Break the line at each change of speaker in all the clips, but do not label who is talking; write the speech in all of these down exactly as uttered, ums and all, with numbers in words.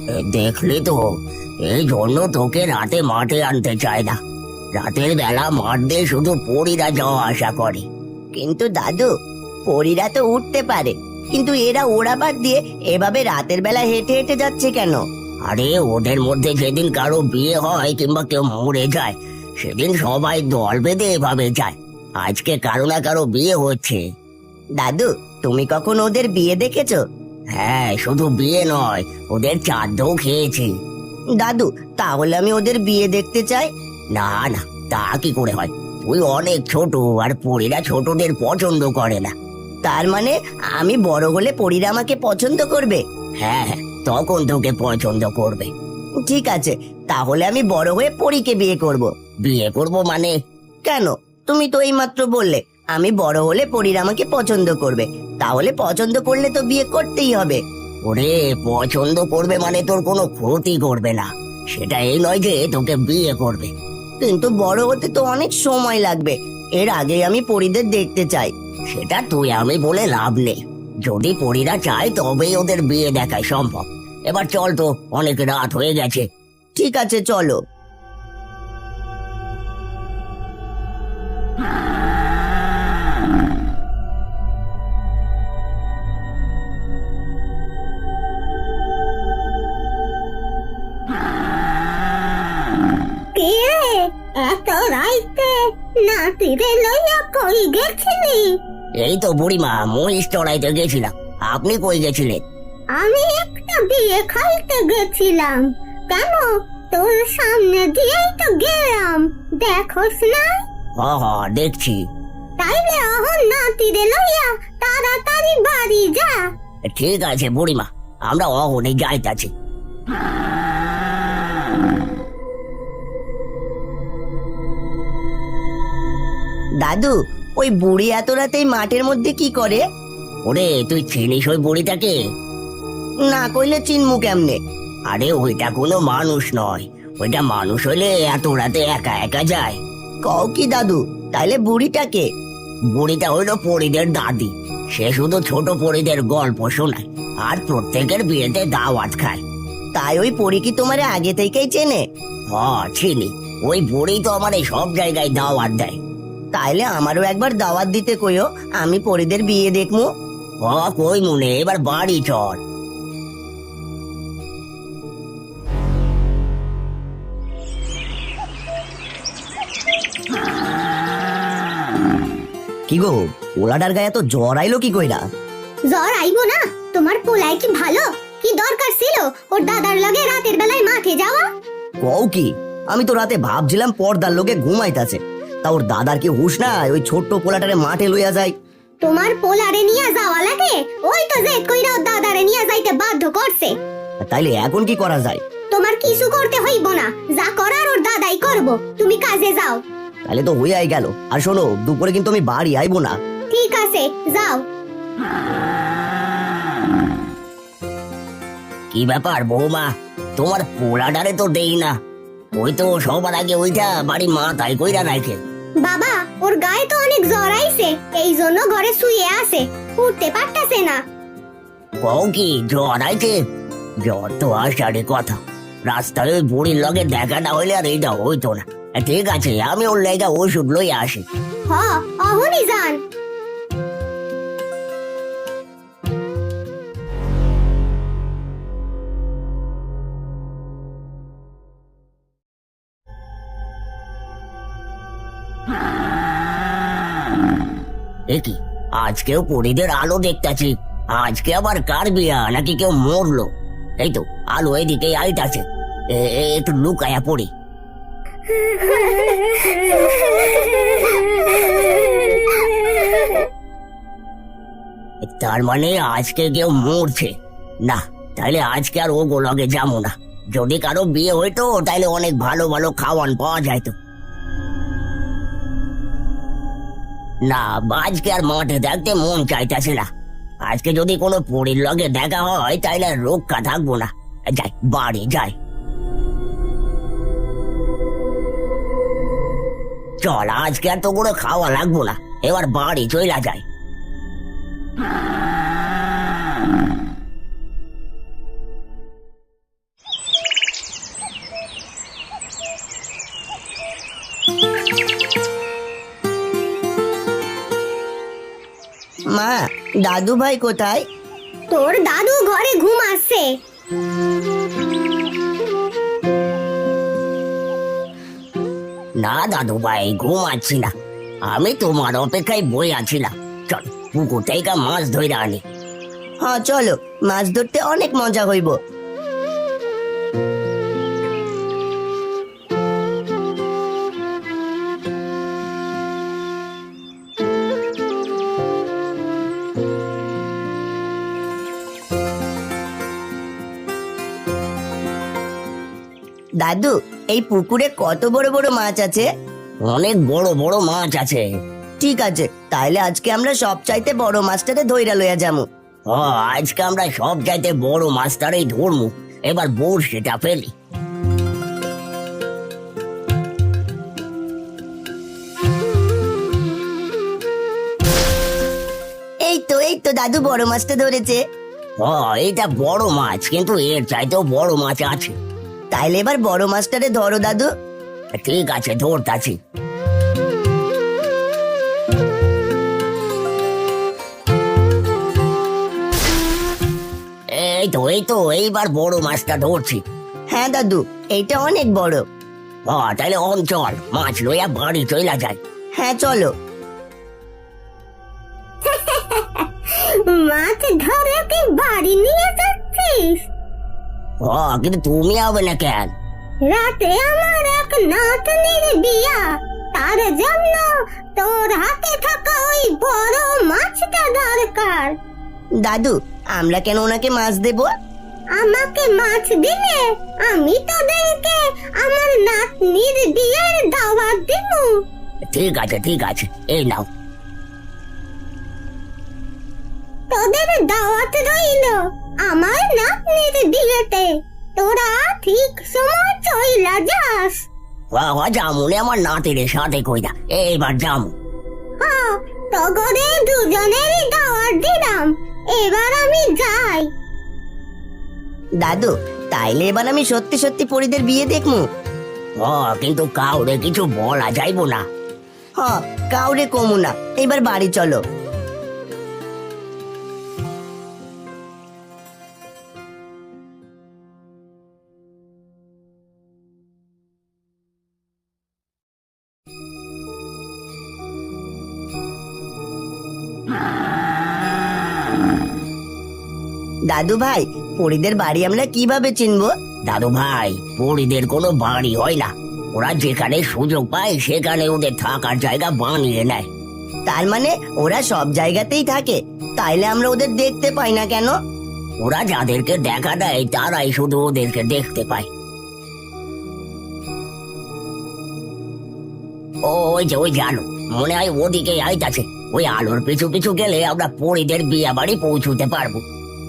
এ, দেখলি তো, এই জন্য তোকে রাতে মাঠে আনতে চায় না। রাতের বেলা মাঠ দিয়ে শুধু পরীরা যাওয়া আসা করে।
কিন্তু দাদু, পরীরা তো উঠতে পারে, কিন্তু এরা ওড়াবাদ দিয়ে এভাবে রাতের বেলা হেঁটে হেঁটে যাচ্ছে কেন?
আরে ওদের মধ্যে যেদিন কারো বিয়ে হয় কিংবা কেউ মরে যায়, সেদিন সবাই দল বেঁধে এভাবে যায়। আজকে কারো না কারো বিয়ে হচ্ছে।
দাদু, তুমি কখন ওদের বিয়ে দেখেছো?
হ্যাঁ, শুধু বিয়ে নয়, ওদের চাঁদও খেয়েছি।
দাদু, তাহলে আমি ওদের বিয়ে দেখতে চাই।
না না, তা কি করে হয়? তুই অনেক ছোট, আর পরীরা ছোটদের পছন্দ করে না।
তার মানে আমি বড় হলে পরীরা আমাকে পছন্দ করবে?
হ্যাঁ হ্যাঁ, তখন তোকে পছন্দ করবে।
ঠিক আছে, তাহলে আমি বড় হয়ে পরীকে বিয়ে করব।
বিয়ে করব মানে?
কেন? তুমি তো এইমাত্র বললে আমি বড় হলে পরীরা আমাকে পছন্দ করবে, তাহলে পছন্দ করলে তো বিয়ে করতেই হবে।
ওরে, পছন্দ করবে মানে তোর কোনো ক্ষতি করবে না, সেটা এই নয় যে তোকে বিয়ে করবে।
কিন্তু বড় হতে তো অনেক সময় লাগবে, এর আগে আমি পরীদের দেখতে চাই।
সেটা তুই আমি বলে লাভ নেই। যদি পরীরা চায় তবেই ওদের বিয়ে দেখায় সম্ভব। এবার চল তো, অনেক রাত হয়ে গেছে।
ঠিক আছে, চলো।
এত রাইতে নাতিরে লইয়া কই গেছিলি?
এই তো বুড়িমা, মহিষ চড়াইতে গেছিলাম। আপনি কই গেছিলেন?
আমি একটা বিয়ে খাইতে গেছিলাম। কেন, তোর সামনে দিয়েই তো গেলাম, দেখোস না?
হ হ, দেখছি।
তাইলে অহন নাতিরে লইয়া তাড়াতাড়ি বাড়ি যা।
ঠিক আছে বুড়িমা, আমরা অহনে যাইতাছি।
দাদু, ওই বুড়ি এত রাতে মাঠের মধ্যে কি করে?
ওরে, তুই চিনিস ওই বুড়িটাকে?
না কইলে চিনমু কেমনে?
আরে ওইটা কোনো মানুষ নয়। ওইটা মানুষ হলে এত রাতে একা একা যায়?
কও কি দাদু? তাইলে বুড়িটাকে?
বুড়িটা হইলো পরীদের দাদি। সে শুধু ছোট পরীদের গল্প শোনায় আর প্রত্যেকের বিয়েতে দাওয়াত খায়।
তাই ওই পরী কি তোমারে আগে থেকেই চেনে?
হ, চিনি। ওই বুড়ি তো আমার সব জায়গায় দাওয়াত দেয়।
তাইলে আমারও একবার দাওয়াত দিতে কইও, আমি পরীদের বিয়ে দেখমু।
হ, কই মনে, এবার বাড়ি চল।
কি গো, ওলাটার গায়ে তো জ্বর আইলো কি কইরা?
জ্বর আইবো না? তোমার পোলাই কি ভালো? কি দরকার ছিল ওর দাদার লগে রাতের বেলায় মাঠে যাওয়া?
কও কি? আমি তো রাতে ভাবছিলাম পর্দার লোকে ঘুমাইতাছে, তা ওর দাদার কি হুশ নাই ওই ছোট্ট পোলাটারে মাঠে লইয়া যায়?
তোমার পোলারে নিয়ে যাওয়া লাগে, ওই তো জেদ কইরা ওর দাদারে নিয়ে যাইতে বাধ্য করছে।
তাইলে এখন কি করা যায়?
তোমার কিছু করতে হইব না, যা করার ওর দাদাই করব, তুমি কাজে যাও।
তাহলে তো হইয়াই গেল। আর শোনো, দুপুরে কিন্তু আমি বাড়ি আইবো না।
ঠিক আছে, যাও।
কি ব্যাপার বৌমা, তোমার পোলাডারে তো দেই না। ওই তো সবার আগে ওইটা বাড়ি মাথায় কইরা রাখে।
বাবা, ওর গায়ে তো অনেক জ্বর আইছে, এই জন্য ঘরে শুয়ে আছে, উঠতে পারতাছে না।
কও কি, জ্বর আইছে? জ্বর তো আসারে কথা। রাস্তায় ওই বুড়ির লগে দেখাটা হইলে আর এইটা হইতো না। ঠিক আছে, আমি ওর লেগা ওষুধ লই আসি।
হ, অহনি যান।
একি, আজকেও পরীদের আলো দেখতাছি। আজকে আবার কার বিয়া নাকি কেউ মরলো? এই তো আলো এদিকে আইতাছে। এ- এ- একটু লুকায়া পড়ি। তার মানে আজকে কেউ মরছে না? তাইলে আজকে আর ও গোলগে যাবো না। যদি কারো বিয়ে হইতো তাইলে অনেক ভালো ভালো খাওয়ান পাওয়া যাইতো। না, আজকে আর মাঠে দেখতে মন চাইতেছে না। আজকে যদি কোনো পরীর লগে দেখা হয় তাইলে আর রক্ষা থাকবো না। যাই, বাড়ি যাই। চল, আজকে আর তো কোনো খাওয়া লাগবো না, এবার বাড়ি চইলা যায়।
মা, দাদু ভাই কোথায়?
তোর দাদু ঘরে ঘুমাচ্ছে।
না দাদু ভাই, ঘুমাচ্ছি না, আমি তোমার অপেক্ষায় বই আছিলাম। চল পুকুর থেকে মাছ ধরে আনি।
হ্যাঁ চলো, মাছ ধরতে অনেক মজা হইব। দাদু, এই পুকুরে কত বড় বড় মাছ আছে?
অনেক বড় বড় মাছ আছে।
ঠিক আছে, তাইলে আজকে আমরা সব চাইতে বড় মাছটাতে ধইরা লইয়া যামু।
ও, আজকে আমরা সব চাইতে বড় মাছটারই ধরমু। এবার বড়শিটা ফেলি।
এই তো এই তো দাদু বড় মাছটা ধরেছে।
ও, এইটা বড় মাছ, কিন্তু এর চাইতেও বড় মাছ আছে।
তাইলে এবার বড় মাছটারে ধরো দাদু।
ঠিক আছে, ধরতাছি। এই তো এই তো এইবার বড় মাছটা ধরছি।
হ্যাঁ দাদু, এইটা অনেক বড়।
ও, তাহলে অঞ্চল মাছ লইয়া বাড়ি চইলা যায়।
হ্যাঁ চলো।
মাছ ধরে কি বাড়ি নিয়ে যাচ্ছিস?
ও, কিন্তু তুমি হবে না কেন?
রাতে আমার এক নাতনির বিয়া, তার জন্য তোর হাতে থাকা ওই বড় মাছটা দরকার।
দাদু, আমরা কেন ওনাকে মাছ দেব?
আমাকে মাছ দিলে আমি তোদেরকে আমার নাতনির বিয়ের দাওয়াত দিব।
ঠিক আছে ঠিক আছে, এই নাও।
তোদের দাওয়াত রইল আমার নাতনির বিয়েতে। তোরা ঠিক সময় চইলা যাস।
বাবা, জামুনে আমার নাতির সাথে কইরা এইবার জামু।
হ্যাঁ, তোদের দুজনেরই দাওয়াত দিলাম। এবার আমি যাই।
দাদু, তাইলে এবার আমি সত্যি সত্যি পরিদের বিয়ে দেখমু।
ও, কিন্তু কাউরে কিছু বলা যাইবো না।
হ্যাঁ, কাউরে কমু না। এবার বাড়ি চলো। দাদু ভাই, পরিদের বাড়ি আমরা কিভাবে চিনবো?
দাদু ভাই, পরিদের কোনো বাড়ি হয় না, ওরা যেখানে সুযোগ পায় সেখানে ওদের থাকার জায়গা বানিয়ে নেয়।
তার মানে ওরা সব জায়গাতেই থাকে, তাইলে আমরা ওদের দেখতে পাই না কেন?
ওরা যাদেরকে দেখা দেয় তারাই শুধু ওদেরকে দেখতে পায়। ও, ওই যে ওই যে আলো, মনে হয় ওদিকে আইতাছে। ওই আলোর পিছু পিছু গেলে আমরা পরিদের বিয়া বাড়ি পৌঁছতে পারবো।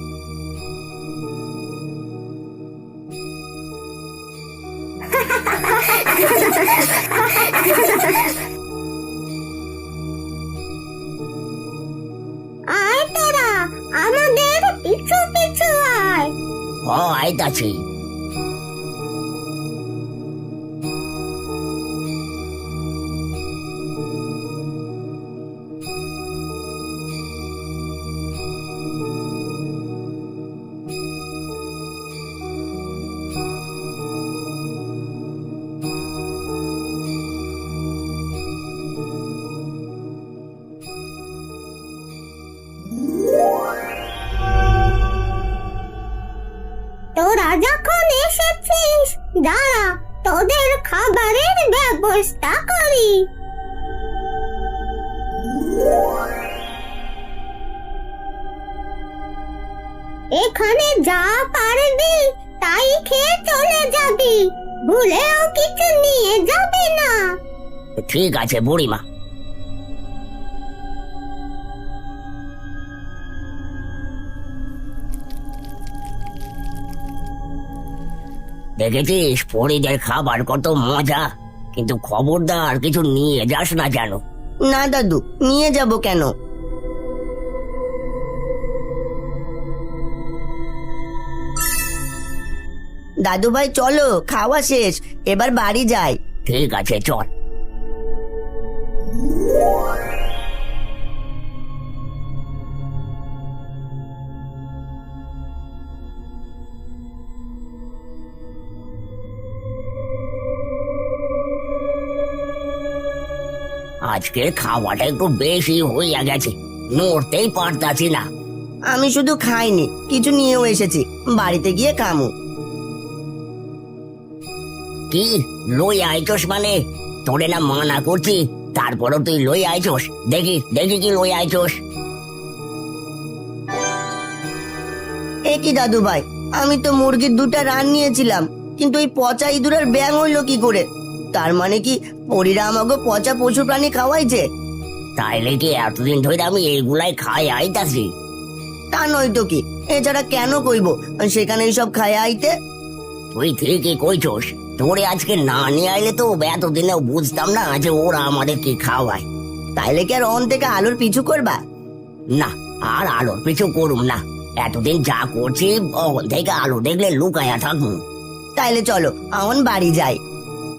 আয় তোরা, আমাদের পিছু পিছু আয়।
ও, আইতাছি।
তোরা যখন এসেছিস, দাঁড়া, তোদের খাবারের ব্যবস্থা করি। এখানে যা পারবি তাই খেয়ে চলে যাবি, ভুলেও কিছু নিয়ে যাবি না।
ঠিক আছে বুড়িমা। দেখেছিস পরিদের খাবার কত মজা, কিন্তু খবরদার কিছু নিয়ে যাস না জানো।
না দাদু, নিয়ে যাব কেন? দাদু ভাই চলো, খাওয়া শেষ, এবার বাড়ি যাই।
ঠিক আছে, চল। আজকের খাওয়াটা একটু বেশি হইয়া গেছে, নড়তেই পারতাছি না।
আমি শুধু খাইনি, কিছু নিয়েও এসেছি, বাড়িতে গিয়ে খামু।
কি লই আইছস মানে? তোরে না মানা করছি, তারপরও তুই লই আইছস। দেখি দেখি কি লই আইছস।
এ কি দাদু ভাই, আমি তো মুরগির দুটা রান নিয়েছিলাম, কিন্তু এই পচা ইঁদুরের ব্যাং হইলো কি করে? তার মানে কি পরীরা আমাকে পচা পশু প্রাণী খাওয়াইছে?
তাইলে কি এতদিন ধরে আমি এইগুলাই খাই আইতাছি?
তা নয় তো কি, এছাড়া কেন কইব সেখানে সব খায় আইতে?
তুই ঠিকই কইছস, তোরে আজকে না নিয়ে আইলে তো এতদিনেও বুঝতাম না যে ওরা আমাদের কি খাওয়ায়।
তাইলে কি আর অন থেকে আলোর পিছু করবা?
না, আর আলোর পিছু করুম না। এতদিন যা করছি ওখান থেকে আলো দেখলে লুকায়া থাকুন।
তাইলে চলো, এখন বাড়ি যাই।